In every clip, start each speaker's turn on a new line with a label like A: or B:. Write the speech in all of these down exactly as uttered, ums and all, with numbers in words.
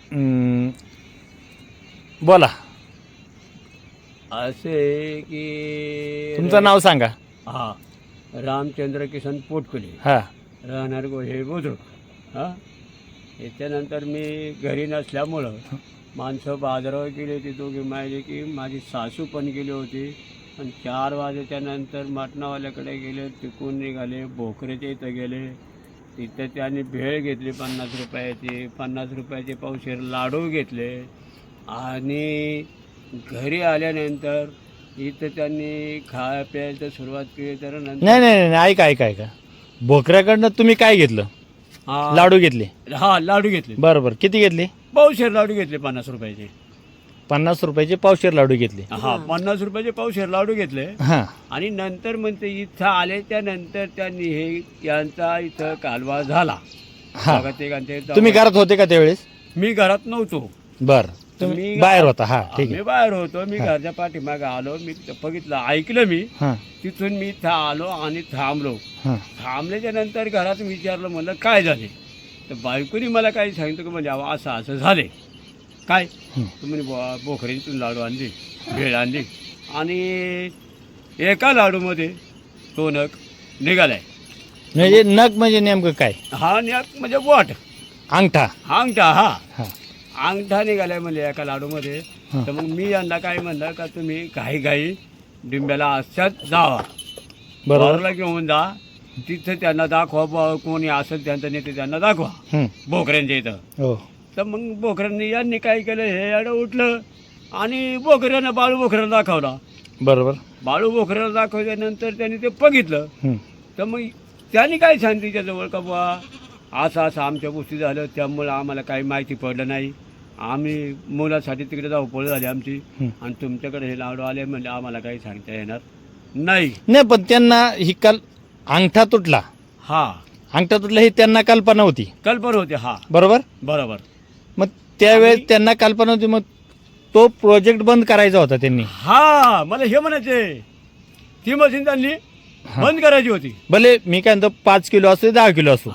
A: हम्म, बोला
B: असे की
A: तुमचं नाव सांगा.
B: हा रामचंद्र किसन पोटकुले,
A: हा
B: राहणार गोहे बुद्रुक. हां याच्यानंतर मी घरी नसल्यामुळं माणसं बाजारावर गेली होती दोघी माहिती की माझी सासू पण गेली होती. आणि चार वाजेच्या नंतर मटणावाल्याकडे गेले, तिकून निघाले भोकरेच्या इथं गेले. तिथं त्यांनी भेळ घेतली पन्नास रुपयाची, पन्नास रुपयाचे पावशेर लाडू घेतले. आणि घरी आल्यानंतर इथं त्यांनी खाय प्यायला सुरुवात केली. तर नंतर
A: नाही नाही नाही ऐका ऐका ऐका भोकऱ्याकडनं तुम्ही काय घेतलं?
B: हा
A: लाडू घेतले.
B: हा लाडू घेतले,
A: बरं बरं किती घेतले?
B: पावशेर लाडू घेतले पन्नास रुपयाचे.
A: पन्नास रुपयाचे पावशेर लाडू घेतले.
B: हा पन्नास रुपयाचे पावशेर लाडू घेतले.
A: हां
B: आणि नंतर म्हणते इथं आले त्यानंतर त्यांनी हे यांचा इथं कालवा झाला.
A: हां
B: बघा ते गांधी
A: तुम्ही घरात होते का त्यावेळेस?
B: मी घरात नव्हतो,
A: बरं तुम्ही
B: मी-
A: बाहेर होता. हा ठीक
B: मी
A: आहे.
B: बाहेर होतो. मी घरच्या पाठीमागे आलो, मी तिथं बघितलं, ऐकलं मी.
A: हां
B: तिथून मी इथं आलो आणि थांबलो.
A: हां
B: थांबल्याच्या नंतर घरात विचारलं, म्हणलं काय झाले? तर बायकोनी मला काही सांगितलं की म्हणजे अहो असं असं झाले. काय
A: हं.
B: तुम्ही बोखरीतून लाडू आणली, भेळ आणली आणि एका लाडूमध्ये तो नग निघालाय.
A: म्हणजे नग म्हणजे नेमकं काय?
B: हा नग म्हणजे बोट,
A: अंगठा.
B: अंगठा. हा
A: हां
B: अंगठा निघालाय म्हणजे एका लाडूमध्ये.
A: हं.
B: तर मग मी यांना काय म्हणलं का तुम्ही घाई घाई डिंब्याला अशाच जावा,
A: बरोबर.
B: वारला घेऊन जा, तिथं त्यांना दाखवा, बुवा कोणी असेल त्यांचं नेते त्यांना दाखवा
A: हं.
B: बोकऱ्यांच्या इथं.
A: हो
B: तर मग बोकऱ्यांनी यांनी काय केलं, हे याडं उठलं आणि बोकऱ्यानं बाळू बोकऱ्याला दाखवला.
A: बरोबर.
B: बाळू बोकऱ्याला दाखवल्यानंतर त्यांनी ते बघितलं.
A: हं.
B: तर मग त्यांनी काय सांगितलं त्याच्याजवळ का बुवा असं असं आमच्या गोष्टी झालं, त्यामुळं आम्हाला काही माहिती पडलं नाही, आम्ही मुलासाठी तिकडे धावपळ झाली आमची.
A: हं.
B: आणि तुमच्याकडे हे लाडू आले म्हणजे आम्हाला काही सांगता येणार नाही.
A: नाही पण त्यांना ही काल अंगठा तुटला,
B: हा
A: अंगठा तुटला ही त्यांना कल्पना होती.
B: कल्पना होते. हा
A: बरोबर.
B: बरोबर.
A: मग त्यावेळेस
B: आणि-
A: त्यांना कल्पना होती, मग तो प्रोजेक्ट बंद करायचा होता त्यांनी.
B: हा मला हे म्हणायचे, ती मशीन त्यांनी
A: हा.
B: बंद करायची होती.
A: भले मी काय म्हणतो पाच किलो असो दहा किलो असो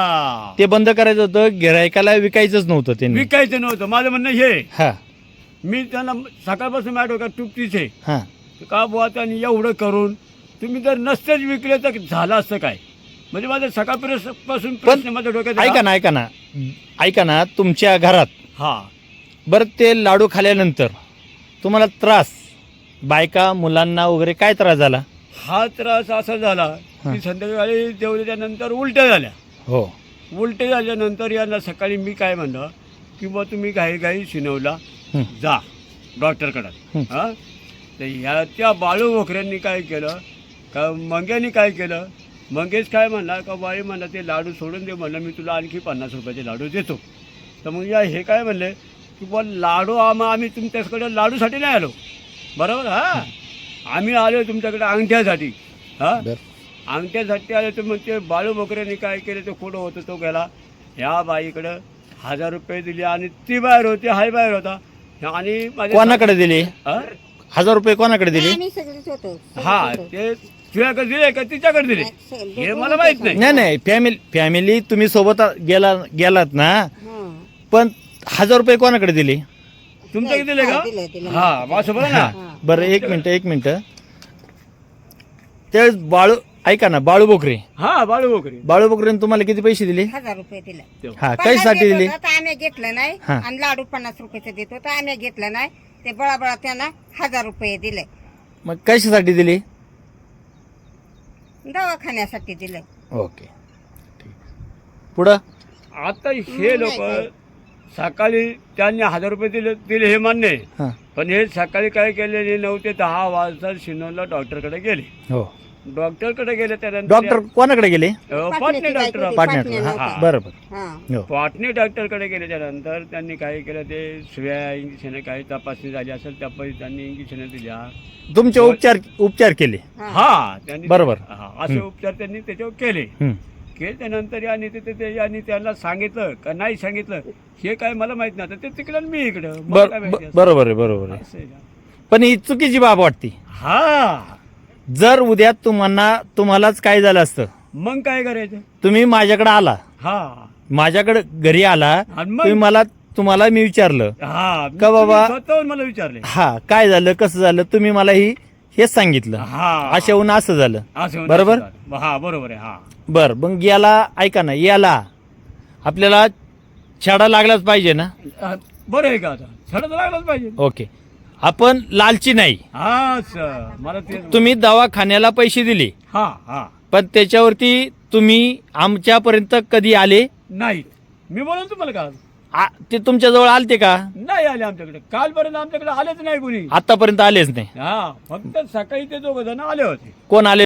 B: हा
A: ते बंद करायचं होतं, गिरायकाला विकायचंच नव्हतं त्यांनी.
B: विकायचं नव्हतं. माझं म्हणणं हे,
A: हा
B: मी त्यांना सकाळपासून माझ्या डोक्यात टुपतीच आहे
A: हा
B: का बुवा त्यांनी एवढं करून तुम्ही जर नसतेच विकले तर झालं असतं काय. म्हणजे माझं सकाळपासून प्रश्न माझ्या डोक्यात आहे.
A: ऐका ना ऐका ना ऐका ना तुमच्या घरात
B: हा
A: बरं ते लाडू खाल्यानंतर तुम्हाला त्रास, बायका मुलांना वगैरे काय त्रास झाला?
B: हा त्रास असा झाला
A: हा.
B: की संध्याकाळी जेवल्याच्या नंतर उलट्या झाल्या.
A: हो
B: उलटे झाल्यानंतर यांना सकाळी मी काय म्हणलं की बुवा तुम्ही घाई घाई शिनवला
A: हं.
B: जा डॉक्टरकडं.
A: हं.
B: हां तर ह्या त्या बाळू बोकऱ्यांनी काय केलं का मंग्यानी काय केलं, मंगेश काय म्हणला का बाई म्हणला ते लाडू सोडून दे, म्हणलं मी तुला आणखी पन्नास रुपयाचे लाडू देतो. तर मग या हे काय म्हणले की बुवा लाडू आम्हा आम्ही तुमच्याकडे लाडूसाठी नाही आलो, बरोबर. हां आम्ही आलो तुमच्याकडे अंगठ्यासाठी. हां
A: बर
B: अंगठ्यासाठी आले. तर मग ते बाळू बोकऱ्यांनी काय केलं, तो कुठं होतं तो गेला ह्या बाईकडं हजार रुपये दिले आणि ती बाहेर होती, हाय बाहेर होता. आणि माझ्या
A: कोणाकडे दिले
B: हां?
A: हजार रुपये? कोणाकडे दिले?
C: आम्ही सगळेच होतो सगळेच
B: हा
C: होतो.
B: ते तुझ्याकडे दिले का तिच्याकडे दिले हे मला माहित नाही.
A: नाही नाही फॅमिली फॅमिली तुम्ही सोबत गेला गेलात ना,
C: हं.
A: पण हजार रुपये कोणाकडे दिले?
B: तुमच्याकडे दिले
C: हा, दिले,
B: का?
C: दिले.
B: हा माझं बरं ना.
C: हा.
A: बरं एक मिनिट एक मिनिट त्यावेळेस बाळू ऐका ना बाळू बोकरे
B: हा बाळू बोकरे
A: बाळू बोकरेने तुम्हाला किती पैसे दिले?
C: हजार रुपये दिले.
A: हा
C: पन्नास
A: कशासाठी
C: देत
A: दिले?
C: होता, तर आम्ही घेतलं नाही.
A: हा.
C: आणि लाडू पन्नास रुपयाचं देत होता, आम्ही घेतलं नाही. ते बळाबळा त्यांना हजार रुपये दिले,
A: मग कशासाठी दिले?
C: दवाखान्यासाठी दिले.
A: ओके पुढं
B: आता हे लोक सकाळी त्यांनी हजार रुपये दिले दिले हे मान्य आहे.
A: हां
B: पण हे सकाळी काय केले, नऊ ते दहा वाजता शिनोला डॉक्टरकडे गेले.
A: हो
B: डॉक्टरकडे गेले त्यानंतर
A: डॉक्टर कोणाकडे गेले?
B: अ, पाटणे डॉक्टर
A: पाटण्यात.
C: पाटण्याला
A: हा
C: होता.
A: बरोबर.
C: हा.
A: हो
B: पाटणे डॉक्टरकडे गेले. त्यानंतर त्यांनी काय केलं, ते शिव्या इंजेक्शन काही तपासणी झाली असेल त्यापैकी त्यांनी इंजेक्शन दिल्या.
A: तुमचे उपचार उपचार केले.
C: हा.
B: हा त्यांनी
A: बरोबर.
B: हा असे उपचार त्यांनी त्याच्यावर केले.
A: हं.
B: केल्यानंतर यांनी ते ते यांनी त्यांना सांगितलं का नाही सांगितलं हे काय मला माहित नाही. आता ते तिकडं आणि मी इकडं मला
A: बर
B: काय
A: ब-
B: माहिती असं.
A: बरोबर आहे बरोबर आहे.
B: असं आहे का?
A: पण ही चुकीची बाब वाटते.
B: हा
A: जर उद्या तुम्हाला तुम्हालाच काय झालं असतं,
B: मग काय करायचं?
A: तुम्ही माझ्याकडे आला,
B: हा
A: माझ्याकडे घरी आला,
B: आणि मग?
A: तुम्ही मला तुम्हाला मी विचारलं
B: हा
A: का बाबा?
B: तुम्ही स्वतःहून मला विचारले.
A: हा काय झालं कसं झालं तुम्ही मला ही हेच सांगितलं
B: हा
A: अशाहून असं झालं.
B: असं
A: बरोबर?
B: असं. हा बरोबर आहे. हा
A: बर मग याला ऐका ना, याला आपल्याला छाडा लागलाच पाहिजे ना.
B: हा, बरं आहे का आता छडा तर लागलाच पाहिजे.
A: ओके, आपण लालची नाही.
B: हा सर मला ते
A: तुम्ही दवाखान्याला पैसे दिले
B: हा हा
A: पण त्याच्यावरती तुम्ही आमच्यापर्यंत कधी आले?
B: नाही मी बोलून तुम्हाला का
A: आ- ते तुमच्याजवळ आलते का?
B: नाही आले आमच्याकडे. कालपर्यंत आमच्याकडे आलेच नाही कुणी.
A: आतापर्यंत आलेच नाही.
B: हा फक्त सकाळी ते दोघ जण आले होते.
A: कोण आले?